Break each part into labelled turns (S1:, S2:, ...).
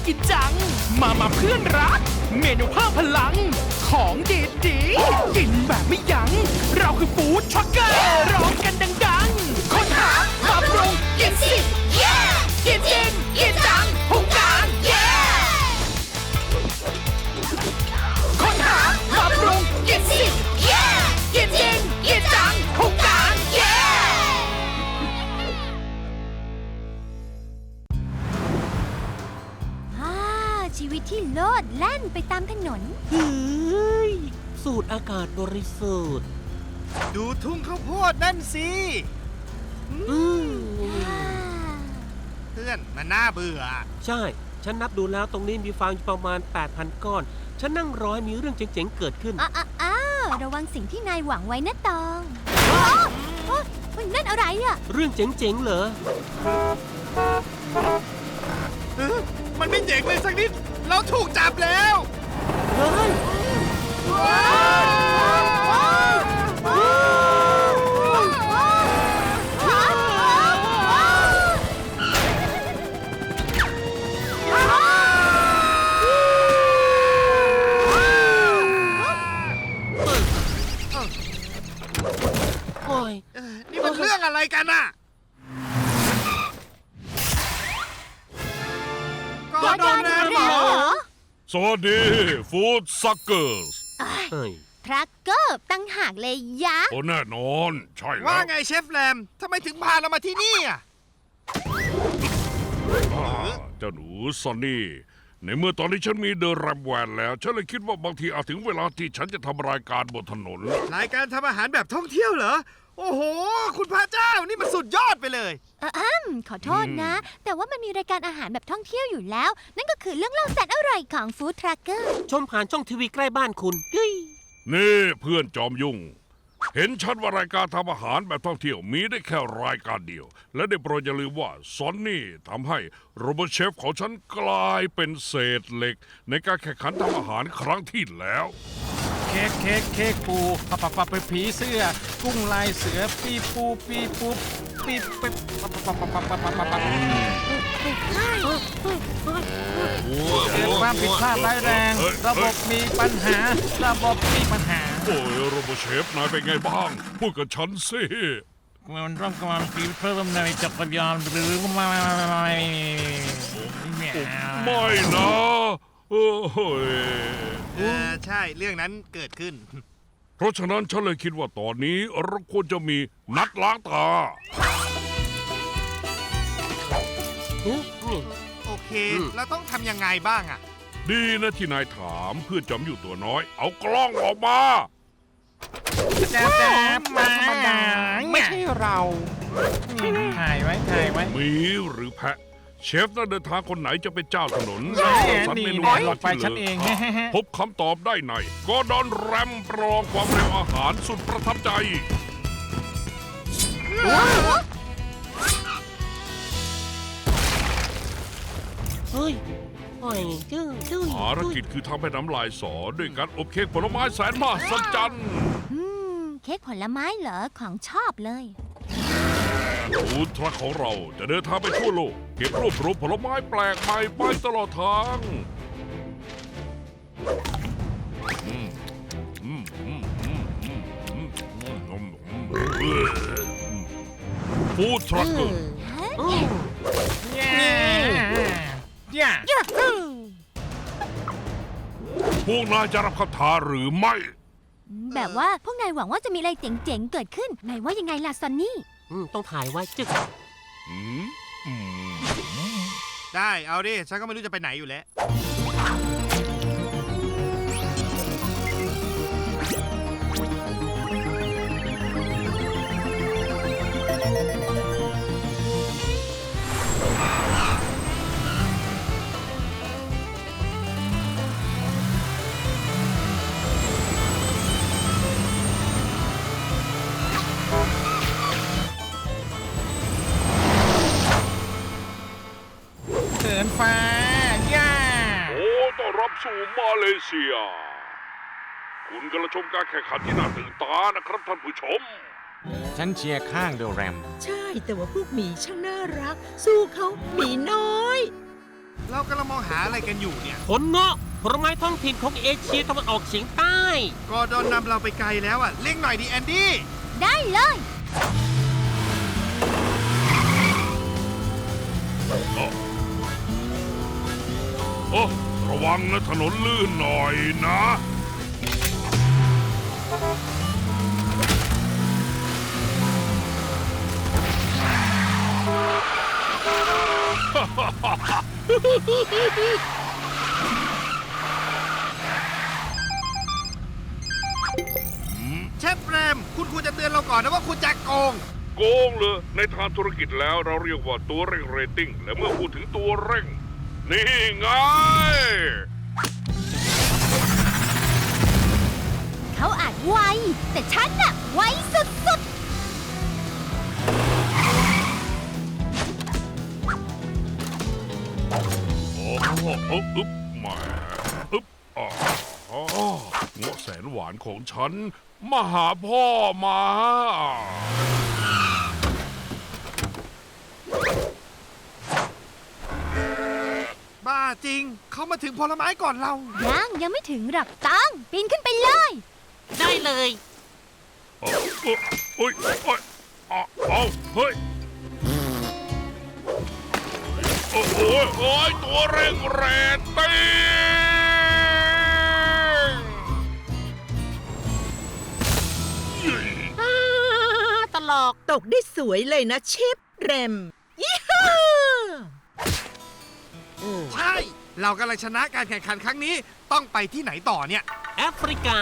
S1: กินจังมาเพื่อนรักเมนูเพิ่มพลังของดีๆกินแบบไม่ยั้งเราคือฟู้ดทรัคเกอร์ร้องกันดังๆค้นหามาปรุงกินสิเย่กินจริงกินจังหุงกลางเย่ค้นหามาปรุงกินสิเย่กินจริงกินจังหุงกลางเย่
S2: ชีวิตที่โลดแล่นไปตามถนน
S3: เฮ้ยสูดอากาศบริสุทธิ์
S4: ดูทุ่งข้าวโพดนั่นสิ เพื่อนมันน่าเบื่อ
S3: ใช่ ฉันนับดูแล้วตรงนี้มีฟางอยู่ประมาณ 8,000 ก้อน ฉันนั่งรอให้มีเรื่องเจ๋งๆเกิดขึ้น
S2: ระวังสิ่งที่นายหวังไว้นะตองโอ้ยนั่นอะไรอ่ะ
S3: เรื่องเจ๋งๆเหรอ
S4: มันไม่เจ๋งเลยสักนิด เราถูกจับแล้ว
S3: เฮ้ย โอ้ย
S4: นี่มันเรื่องอะไรกันน่ะก็โดนแน่หรอ
S5: สวัสดีฟู้ดซักเกอร์ส
S3: เฮ้ย
S2: ทรัคเกอร์ตั้งหากเลยยะ
S5: โอ้แน่นอนใช่แล้ว
S4: ว่าไงเชฟแรมทำไมถึงพาเรามาที่นี่อ่ะ
S5: เจ้าหนูซอนนี่ในเมื่อตอนนี้ฉันมีเดอะแรมแวนแล้ว ฉันเลยคิดว่าบางทีอาจถึงเวลาที่ฉันจะทำรายการบนถนน
S4: รายการทำอาหารแบบท่องเที่ยวเหรอ โอ้โห คุณพระเจ้านี่มันสุดยอดไปเลย
S2: ขอโทษนะ แต่ว่ามันมีรายการอาหารแบบท่องเที่ยวอยู่แล้ว นั่นก็คือเรื่องเล่าแสนอร่อยของฟู้ดทรัคเกอร์
S3: ชมผ่านช่องทีวีใกล้บ้านคุณเฮ้ย
S5: นี่เพื่อนจอมยุ่ง เห็นชัดว่ารายการทำอาหารแบบท่องเที่ยวมีได้แค่รายการเดียว และได้โปรดอย่าลืมว่าซอนนี่ทำให้โรบอทเชฟของฉันกลายเป็นเศษเหล็ก ในการแข่งขันทำอาหารครั้งที่แล้ว
S6: เค้กปูปะผีเสื้อ กุ้งลายเสือปีปูปีปุ๊บปีปิ๊บเกิดความผิดพลาดร้ายแรง ระบบมีปัญหา
S5: โอ้ยโรบอทเชฟนายเป็นไงบ้าง พูดกับฉันสิ
S6: มันต้องการปีเพิ่มในจักรยานหรือไม่
S5: ไม่นะโอ้ย
S4: ใช่เรื่องนั้นเกิดขึ้น
S5: เพราะฉะนั้นฉันเลยคิดว่าตอนนี้เราควรจะมีนัดล้างตา
S4: โอเค แล้วต้องทำยังไงบ้างอ่ะ
S5: ดีนะที่นายถามเพื่อนจำอยู่ตัวน้อย เอากล้องออกมา
S6: แจ๊บมาธรรมดาไม่ใช่เราถ่ายไว้
S5: หมีหรือแพะ เชฟนักเดินทางคนไหนจะเป็นเจ้าถนน
S6: แหม
S5: สรรเมนู
S6: นี่
S5: ยอด
S6: ไป
S5: ที่
S6: ฉัน
S5: เห
S6: เอ
S5: ลื
S6: ง
S5: พบคำตอบได้ในกอร์ดอนแรมประลองความเร็วอาหารสุดประทับใจ
S3: เฮ้ยโอ้ยจื้อ
S5: ภารกิจคือทำให้น้ำลายสอด้วยการอบเค้กผลไม้แสนมหัศจรรย์
S2: เค้กผลไม้เหรอของชอบเลย
S5: ฟู้ดทรัคของเราจะเดินทางไปทั่วโลก เก็บรวบรวมผลไม้แปลกใหม่ไปตลอดทางฟู้ดทรัคเกอร์
S6: ย่า
S5: พวกนายจะรับคำท้าหรือไม่
S2: แบบว่าพวกนายหวังว่าจะมีอะไรเจ๋งๆเกิดขึ้นนายว่ายังไงล่ะซอนนี่
S3: ต้องถ่ายไว้จึ๊ก
S5: อืมอืม
S4: ได้เอาดิ ฉันก็ไม่รู้จะไปไหนอยู่แล้ว
S6: เขินฟ้าย่า
S5: โอ้ต้อนรับสู่มาเลเซีย คุณกำลังชมการแข่งขันที่น่าตื่นตานะครับท่านผู้ชม
S6: ฉันเชียร์ข้างเดอะแรม
S7: ใช่แต่ว่าพวกหมีช่างน่ารัก สู้เขาหมีน้อย
S4: เรากำลังมองหาอะไรกันอยู่เนี่ย
S3: ผลเงาะผลไม้ท้องถิ่นของเอเชียตะวันออกเฉียงใต้
S4: กอร์ดอนนำเราไปไกลแล้วอ่ะเร่งหน่อยดิแอนดี้
S2: ได้เลย
S5: โอ้ระวังนะถนนลื่นหน่อยนะ
S4: เชฟแรมคุณควรจะเตือนเราก่อนนะว่าคุณจะโกง
S5: โกงเลยในทางธุรกิจแล้วเราเรียกว่าตัวเร่งเรตติ้ง และเมื่อพูดถึงตัวเร่ง นี่ไง
S2: เขาอาจไว แต่ฉันน่ะไวสุด
S5: โอ้โหอึ๊บแหมาอึ๊บอ๋อเงาะแสนหวานของฉัน มาหาพ่อมา
S4: บ้าจริง เขามาถึงผลไม้ก่อนเรา
S2: ๆยังไม่ถึงหรอกต้องปีนขึ้นไปเลย
S3: ได้เลย
S5: โอ้ยโอ้ยเอาเฮ้ย โอ้ยโอ้ยตัวเร่งเรตติ้ง
S3: ตลก
S7: ตกได้สวยเลยนะเชฟแรมยี่ห้า
S4: ใช่ เรากำลังชนะการแข่งขันครั้งนี้ ต้องไปที่ไหนต่อเนี่ย
S3: แอฟริกา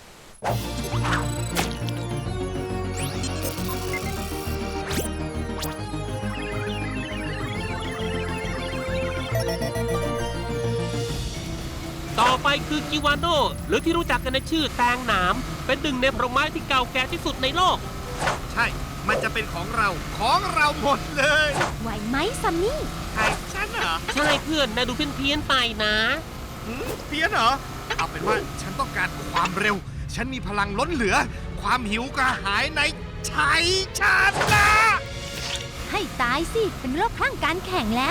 S3: ต่อไปคือกิวานโดหรือที่รู้จักกันในชื่อแตงหนาม เป็นหนึ่งในผลไม้ที่เก่าแก่ที่สุดในโลก
S4: ใช่ มันจะเป็นของเราหมดเลย
S2: ไหวไหมซัมมี่
S4: ใครฉันเหรอ
S3: ใช่เพื่อนนายดูเพี้ยนๆไปนะ
S4: เพี้ยนเหรอ เอาเป็นว่าฉันต้องการความเร็ว ฉันมีพลังล้นเหลือ ความหิวกระหายในชัยชนะ
S2: ให้ตายสิ เป็นโรคคลั่งการแข่งแล้ว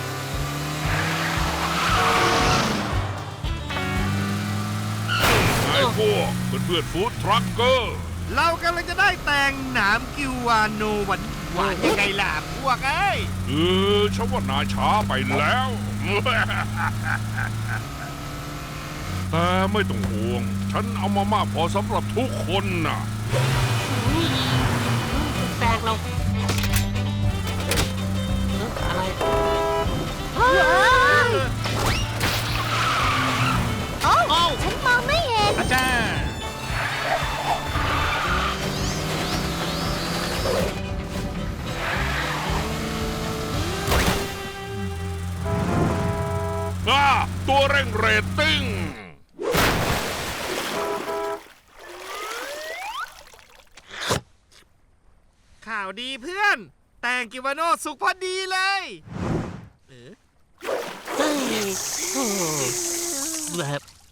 S5: ไอ้พวกเพื่อนฟู้ดทรัคเกอร์
S4: เรากำลังจะได้แตงหนามกิวาโนหวานยังไงล่ะพวกเอ้ย
S5: ฉันว่านายช้าไปแล้ว แต่ไม่ต้องห่วง ฉันเอามามากพอสำหรับทุกคนน่ะ
S3: แตงเราอะไร
S2: โอ้ฉันมองไม่เห็น
S6: อาจารย์
S5: ตัวเร่งเรตติ้ง
S4: ข่าวดีเพื่อน แตงกิวาโนสุกพอดีเลย
S3: เฮ้ยโอ้แบบ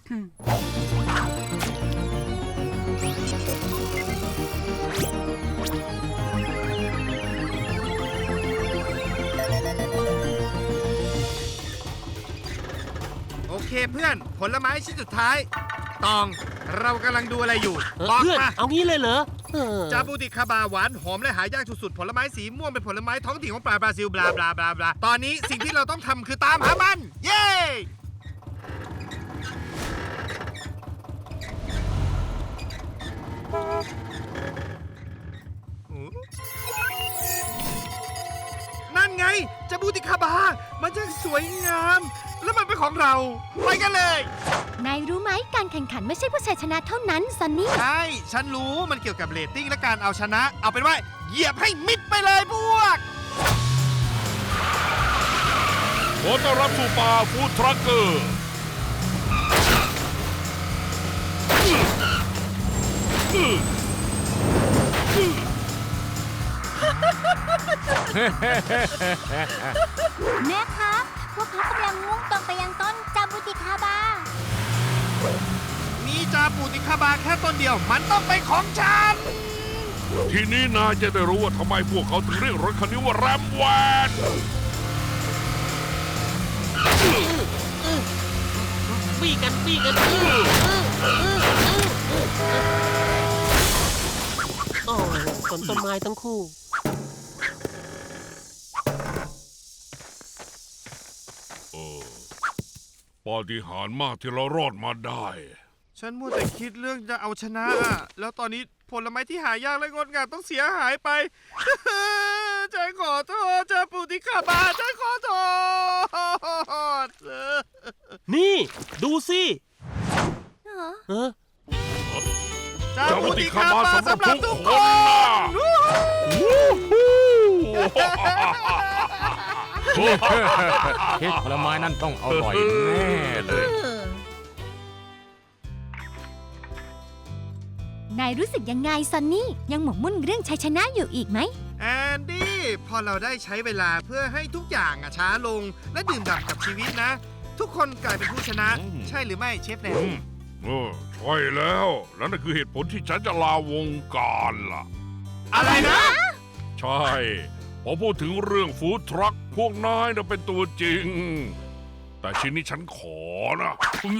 S4: โอเคเพื่อน ผลไม้ชิ้นสุดท้าย ตอง เรากำลังดูอะไรอยู่ บอก
S3: เพื่อน
S4: มา
S3: เอางี้เลยเหรอ
S4: จาบูติคาบาหวานหอมและหายากสุดๆผลไม้สีม่วงเป็นผลไม้ท้องถิ่นของปลาบราซิลบลาบลาบลาบลาตอนนี้สิ่งที่เราต้องทำคือตามหามัน เย้ นั่นไงจาบูติคาบา มันช่างสวยงาม แล้วมันเป็นของเรา ไปกันเลย
S2: นายรู้ไหมการแข่งขันไม่ใช่ผู้ชายชนะเท่านั้นซันนี่
S4: ใช่ ฉันรู้มันเกี่ยวกับเรตติ้งและการเอาชนะ เอาเป็นว่าเหยียบให้มิดไปเลยพวก
S5: ขอต้อนรับสู่ป่าฟู้ดทรัคเกอร์
S2: แม่ครับ พวกเขากำลังมุ่งตรงไปยังต้นจาบุติคาบา
S4: มีจาปูติคาบาแค่ต้นเดียว มันต้องเป็นของฉัน
S5: ทีนี้นายจะได้รู้ว่าทำไมพวกเขาถึงเรียกรถคันนี้ว่าแรมแวน
S3: บี้กันโอ้สนต้นไม้ทั้งคู่
S5: ปาฏิหาริย์มากที่เรารอดมาได้
S4: ฉันมัวแต่คิดเรื่องจะเอาชนะอะแล้วตอนนี้ผลไม้ที่หายากและงดงามต้องเสียหายไป ฉันขอโทษเจ้าปู่ที่ข้าบาฉันขอโทษ
S3: นี่ ดูสิเออ
S4: เจ้า
S5: เจ้า
S4: ปู่
S5: ปฏิ
S4: ที่
S5: คา
S4: ข้า
S5: มา
S4: บา
S5: สำหรับ
S4: สำหรับ
S5: ทุ
S4: ทุ
S5: ก
S4: ก
S5: ค
S4: คน
S5: นะ
S6: เค้กผลไม้นั่นต้องอร่อยแน่เลย
S2: นายรู้สึกยังไงซันนี่ ยังหมกมุ่นเรื่องชัยชนะอยู่อีกไหม
S4: แอนดี้พอเราได้ใช้เวลาเพื่อให้ทุกอย่างช้าลง และดื่มด่ำกับชีวิตนะ ทุกคนกลายเป็นผู้ชนะ ใช่หรือไม่เชฟแนน
S5: ใช่แล้วและนั่นคือเหตุผลที่ฉันจะลาวงการล่ะ
S4: อะไรนะ
S5: ใช่ พอพูดถึงเรื่องฟู้ดทรัคพวกนายน่ะเป็นตัวจริง แต่ชิ้นนี้ฉันขอนะ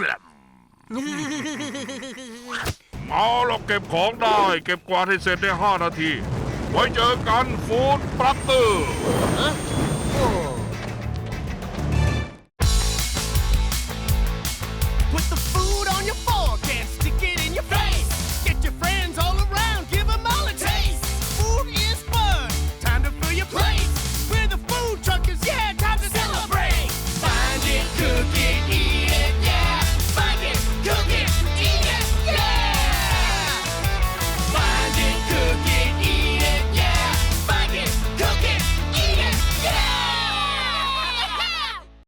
S5: เอาเราเก็บของได้ เก็บกวาดให้เสร็จใน5 นาที ไว้เจอกันฟู้ดปรักเตอร์
S3: โอ้